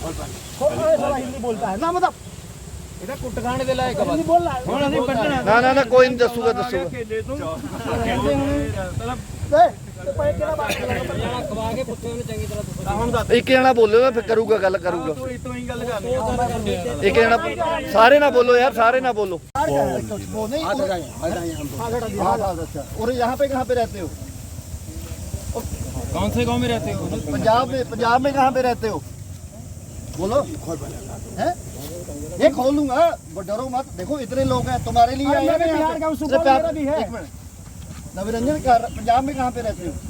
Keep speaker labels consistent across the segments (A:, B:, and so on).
A: हिंदी बोलता है ना, मतलब
B: ਇਹਦਾ ਕੁੱਟ ਖਾਣੇ ਦੇ ਲਾਇਕ
A: हिंदी बोल रहा है।
B: ਹੁਣ ਅਸੀਂ ਕੱਢਣਾ
C: ਨਾ ਨਾ ਨਾ ਕੋਈ ਨਹੀਂ ਦੱਸੂਗਾ ਦੱਸੂਗਾ
A: खवा के कुत्ते ने चंगी तरह
C: ਇੱਕ ਜਣਾ ਬੋਲੋ ਨਾ ਫਿਰ ਕਰੂਗਾ ਗੱਲ ਕਰੂਗਾ
B: ਤੂੰ ਇਤੋਂ ਹੀ ਗੱਲ ਕਰਨੀ
C: ਇੱਕ ਜਣਾ ਸਾਰੇ ਨਾ ਬੋਲੋ यार सारे ना बोलो
A: वो नहीं और यहाँ पे कहाँ पे रहते हो?
B: कौन से गांव में रहते हो?
A: पंजाब में कहाँ पे रहते हो? बोलो हैं? ये खोल लूंगा, डरो मत। देखो इतने लोग हैं, तुम्हारे लिए आए हैं। बिहार का सुपर भी है। एक मिनट, नवरंजन पंजाब में कहाँ पे रहते हो?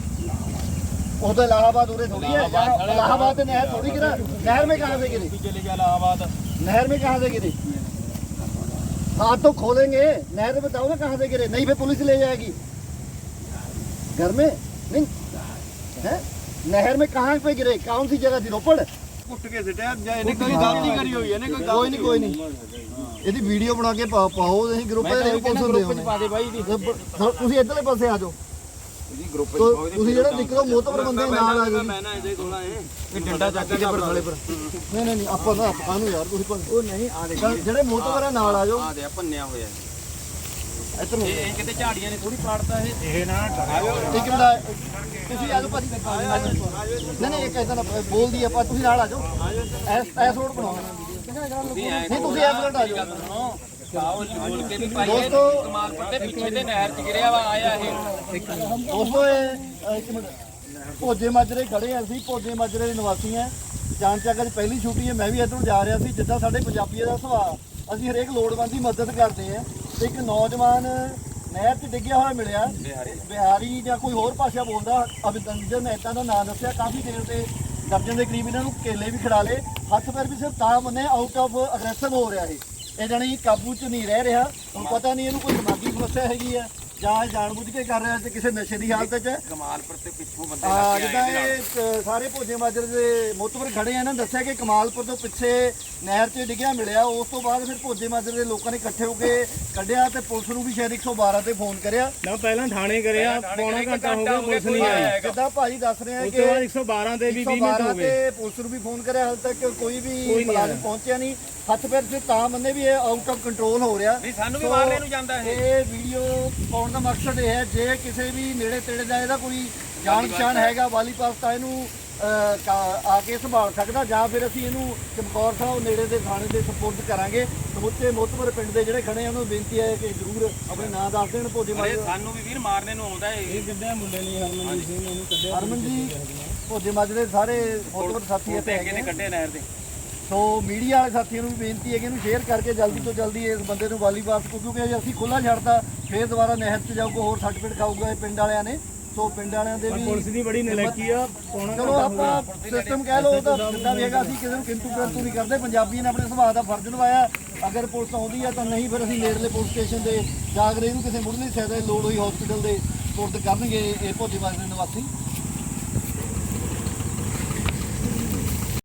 A: वो तो इलाहाबाद उरे थोड़ी है, इलाहाबाद से नहर थोड़ी गिरा। नहर में कहाँ से गिरी?
B: चले गया इलाहाबाद।
A: नहर में कहाँ से गिरी? हाथ तो खोलेंगे, नहर में बताओ ना कहाँ से गिरे, नहीं फिर पुलिस ले जाएगी। घर में नहीं है, नहर में कहाँ पे गिरे, कौन सी जगह थी? रोपड़।
B: ਕੁੱਟ ਕੇ ਸਿੱਟਿਆ ਜਾਂ ਇਹਨੇ ਕੋਈ ਗਲਤੀ ਕਰੀ ਹੋਈ ਹੈ, ਇਹਨੇ ਕੋਈ
A: ਕੋਈ ਨਹੀਂ ਇਹਦੀ ਵੀਡੀਓ ਬਣਾ ਕੇ ਪਾਓ ਤੁਸੀਂ ਗਰੁੱਪ ਦੇ ਵਿੱਚ ਪੁਲਿਸ ਹੁੰਦੇ ਹੋ।
B: ਪਾ ਦੇ ਬਾਈ ਦੀ
A: ਤੁਸੀਂ ਇੱਧਰਲੇ ਪਾਸੇ ਆ ਜਾਓ,
B: ਇਹਦੀ ਗਰੁੱਪ
A: ਤੁਸੀਂ ਜਿਹੜਾ ਨਿਕਲੋ ਮੋਤਬਰ ਬੰਦੇ ਨਾਲ ਆ ਜਾਓ।
B: ਮੈਂ ਨਾ ਇਹਦੇ ਕੋਲ ਆਏ ਇਹ ਡੰਡਾ ਚੱਕ ਕੇ ਪਰ ਥਲੇ ਪਰ
A: ਨਹੀਂ ਆਪਾਂ ਨਾ ਕਾਹਨੂੰ ਯਾਰ, ਤੁਸੀਂ ਉਹ ਨਹੀਂ ਆ ਦੇ ਜਿਹੜੇ ਮੋਤਬਰ ਨਾਲ ਆ ਜਾਓ।
B: ਆ ਦੇ ਭੰਨਿਆ ਹੋਇਆ
A: ਇੱਧਰ
B: ਇਹ ਕਿਤੇ ਝਾੜੀਆਂ ਨੇ ਥੋੜੀ ਪਾੜਦਾ ਇਹ ਨਾ
A: ਇੱਕ ਮਿੰਟ ਤੁਸੀਂ ਆ ਜਾਓ ਭਾਜੀ। ਨਹੀਂ ਇੱਕ ਐਸਾ ਨਾ ਬੋਲਦੀ ਆਪਾਂ, ਤੁਸੀਂ ਨਾਲ ਆ ਜਾਓ। ਐਸ ਰੋਡ ਬਣਾਓ, ਨਹੀਂ ਤੁਸੀਂ ਐਸ ਰੋਡ ਆ ਜਾਓ।
B: ਬੋਲ ਕੇ ਵੀ ਪਾਈ
A: ਦੋਸਤੋ
B: ਕਮਾਲਪੁਰ ਦੇ ਪਿੱਛੇ ਦੇ ਨਹਿਰ 'ਚ ਗਿਰਿਆ ਵਾ ਆਇਆ ਇਹ
A: ਦੋਸਤੋ ਇੱਕ ਮਿੰਟ, ਭੋਜੇ ਮਾਜਰੇ ਖੜੇ ਆ ਅਸੀਂ, ਭੋਜੇ ਮਾਜਰੇ ਦੇ ਨਿਵਾਸੀ ਆ। ਜਾਣ ਚੱਕ ਅੱਜ ਪਹਿਲੀ ਛੁੱਟੀ ਹੈ, ਮੈਂ ਵੀ ਇੱਧਰੋਂ ਜਾ ਰਿਹਾ ਸੀ। ਜਿੱਦਾਂ ਸਾਡੇ ਪੰਜਾਬੀਆਂ ਦਾ ਸੁਭਾਅ, ਅਸੀਂ ਹਰੇਕ ਲੋੜਵੰਦ ਦੀ ਮਦਦ ਕਰਦੇ ਆ। ਤੇ ਇੱਕ ਨੌਜਵਾਨ ਨਹਿਰ 'ਚ ਡਿੱਗਿਆ ਹੋਇਆ ਮਿਲਿਆ, ਬਿਹਾਰੀ ਜਾਂ ਕੋਈ ਹੋਰ ਭਾਸ਼ਾ ਬੋਲਦਾ, ਅਭਿਨੰਦਨ ਮਹਿਤਾ ਦਾ ਨਾਮ ਦੱਸਿਆ। ਕਾਫੀ ਦੇਰ ਤੇ ਦਰਜਨ ਦੇ ਕਰੀਬ ਇਹਨਾਂ ਨੂੰ ਕੇਲੇ ਵੀ ਖਿਡਾ ਲਏ, ਹੱਥ ਪੈਰ ਵੀ ਸਿਰਫ ਤਾਂ ਮੰਨੇ ਆਊਟ ਆਫ ਅਗਰੈਸਿਵ ਹੋ ਰਿਹਾ ਇਹ ਜਾਣੀ ਕਾਬੂ 'ਚ ਨਹੀਂ ਰਹਿ ਰਿਹਾ। ਹੁਣ ਪਤਾ ਨਹੀਂ ਇਹਨੂੰ ਕੋਈ ਦਿਮਾਗੀ ਸਮੱਸਿਆ ਹੈਗੀ ਆ ਜਾਂ ਜਾਣਬੁੱਝ ਕੇ ਕਰ ਰਿਹਾ ਤੇ ਕਿਸੇ ਨਸ਼ੇ ਦੀ ਹਾਲਤ 'ਚ।
B: ਕਮਾਲਪੁਰ ਤੇ ਪਿੱਛੋਂ ਬੰਦੇ
A: ਜਿੱਦਾਂ ਇਹ ਸਾਰੇ ਭੋਜੇ ਮਾਜਰੇ ਦੇ ਮੋਤਬਰ ਖੜੇ ਆ, ਇਹਨਾਂ ਦੱਸਿਆ ਕਿ ਕਮਾਲਪੁਰ ਤੋਂ ਪਿੱਛੇ ਨਹਿਰ 'ਚ ਡਿੱਗਿਆ ਮਿਲਿਆ। ਉਸ ਤੋਂ ਬਾਅਦ ਫਿਰ ਭੋਜੇ ਮਾਜਰੇ ਦੇ ਲੋਕਾਂ ਨੇ ਇਕੱਠੇ ਹੋ ਕੇ ਕੱਢਿਆ ਤੇ ਪੁਲਿਸ ਨੂੰ ਵੀ ਸ਼ਾਇਦ 112 ਤੇ ਫੋਨ ਕਰਿਆ।
D: ਨਾ ਪਹਿਲਾਂ ਥਾਣੇ ਕਰਿਆ, ਪੌਣਾ ਘੰਟਾ ਹੋ ਗਿਆ ਪੁਲਿਸ ਨਹੀਂ ਆਈ।
A: ਜਿੱਦਾਂ ਭਾਜੀ ਦੱਸ ਰਹੇ ਆ
D: ਉਸ
A: ਕਿ
D: ਤੋਂ ਬਾਅਦ 112 ਤੇ ਵੀ 20 ਮਿੰਟ ਹੋ ਗਏ
A: ਤੇ ਪੁਲਿਸ ਨੂੰ ਵੀ ਫੋਨ ਕਰਿਆ, ਹਾਲ ਤੱਕ ਕੋਈ ਵੀ ਮੁਲਾਜ਼ਮ ਪਹੁੰਚਿਆ ਨਹੀਂ। ਹੱਥ ਪੈਰ ਤੇ ਤਾਂ ਮੰਨੇ ਵੀ ਇਹ ਆਊਟ ਆਫ ਕੰਟਰੋਲ ਹੋ ਰਿਹਾ।
B: ਨਹੀਂ ਸਾਨੂੰ ਵੀ ਮਾਰਨੇ ਨੂੰ ਜਾਂਦਾ
A: ਇਹ ਵੀਡੀਓ ਪਾਉਣ ਦਾ ਮਕਸਦ ਇਹ ਹੈ, ਜੇ ਕਿਸੇ ਵੀ ਨੇੜੇ ਤੇੜੇ ਦਾ ਇਹਦਾ ਕੋਈ ਜਾਣ ਪਛਾਣ ਹੈਗਾ ਵਾਲੀ ਪਾਸ ਤਾਂ ਇਹਨੂੰ ਆ ਕੇ ਸੰਭਾਲ ਸਕਦਾ, ਜਾਂ ਫਿਰ ਅਸੀਂ ਇਹਨੂੰ ਚਮਕੌਰ ਸਾਹਿਬ ਨੇੜੇ ਦੇ ਥਾਣੇ ਦੇ ਸਪੁਰਦ ਕਰਾਂਗੇ। ਸਮੁੱਚੇ ਮੋਤਬਰ ਪਿੰਡ ਦੇ ਜਿਹੜੇ ਖੜੇ ਆ ਉਹਨਾਂ ਨੂੰ ਬੇਨਤੀ ਹੈ ਕਿ ਜ਼ਰੂਰ ਆਪਣੇ ਨਾਂ ਦੱਸ ਦੇਣ। ਭੋਜੇ ਮਾਜਰੇ
B: ਸਾਨੂੰ ਵੀ ਵੀਰ ਮਾਰਨੇ ਨੂੰ ਆਉਂਦਾ ਇਹ
D: ਕਿੱਦਾਂ ਮੁੰਡੇ ਨਹੀਂ ਹਰਮਨ ਜੀ ਸਿੰਘ ਇਹਨੂੰ ਕੱਢਿਆ।
A: ਹਰਮਨ ਜੀ ਭੋਜੇ ਮਾਜਰੇ ਸਾਰੇ ਮੋਤਬਰ ਸਾਥੀ ਇੱਥੇ
B: ਅੱਗੇ ਨੇ ਕੱਢੇ ਨਹਿਰ ਦੇ।
A: ਸੋ ਮੀਡੀਆ ਵਾਲੇ ਸਾਥੀਆਂ ਨੂੰ ਵੀ ਬੇਨਤੀ ਹੈ ਕਿ ਇਹਨੂੰ ਸ਼ੇਅਰ ਕਰਕੇ ਜਲਦੀ ਤੋਂ ਜਲਦੀ ਇਸ ਬੰਦੇ ਨੂੰ ਵਾਲੀ ਵਾਪਸ, ਕਿਉਂਕਿ ਜੇ ਅਸੀਂ ਖੁੱਲਾ ਛੱਡਦਾ ਫੇਰ ਦੁਬਾਰਾ ਨਹਿਰ 'ਚ ਜਾਊਗਾ, ਹੋਰ ਸਰਟੀਫਿਕੇਟ ਖਾਊਗਾ ਇਹ ਪਿੰਡ ਵਾਲਿਆਂ ਨੇ। ਸੋ ਪਿੰਡ ਵਾਲਿਆਂ ਦੇ ਵੀ
D: ਪੁਲਿਸ ਦੀ ਬੜੀ ਨਲਾਇਕੀ ਆ, ਪੌਣਾ
A: ਚਲੋ ਆਪਾਂ ਸਿਸਟਮ ਕਹਿ ਲਓ ਤਾਂ ਜਿੱਦਾਂ ਵੀ ਹੈਗਾ, ਅਸੀਂ ਕਿਸੇ ਨੂੰ ਕਿੰਤੂ ਪਰੰਤੂ ਨਹੀਂ ਕਰਦੇ। ਪੰਜਾਬੀਆਂ ਨੇ ਆਪਣੇ ਸੁਭਾਅ ਦਾ ਫਰਜ਼ ਨਿਭਾਇਆ। ਅਗਰ ਪੁਲਿਸ ਆਉਂਦੀ ਹੈ ਤਾਂ ਨਹੀਂ, ਫਿਰ ਅਸੀਂ ਨੇੜਲੇ ਪੁਲਿਸ ਸਟੇਸ਼ਨ ਦੇ ਜਾ ਕੇ ਇਹਨੂੰ ਕਿਸੇ ਮੁੱਢਲੀ ਸਹਾਇਤਾ ਦੀ ਲੋੜ ਹੋਈ ਹਸਪੀਟਲ ਦੇ ਸਪੁਰਦ ਕਰਨਗੇ ਇਹ ਭੋਜੇ ਮਾਜਰੇ ਨਿਵਾਸੀ।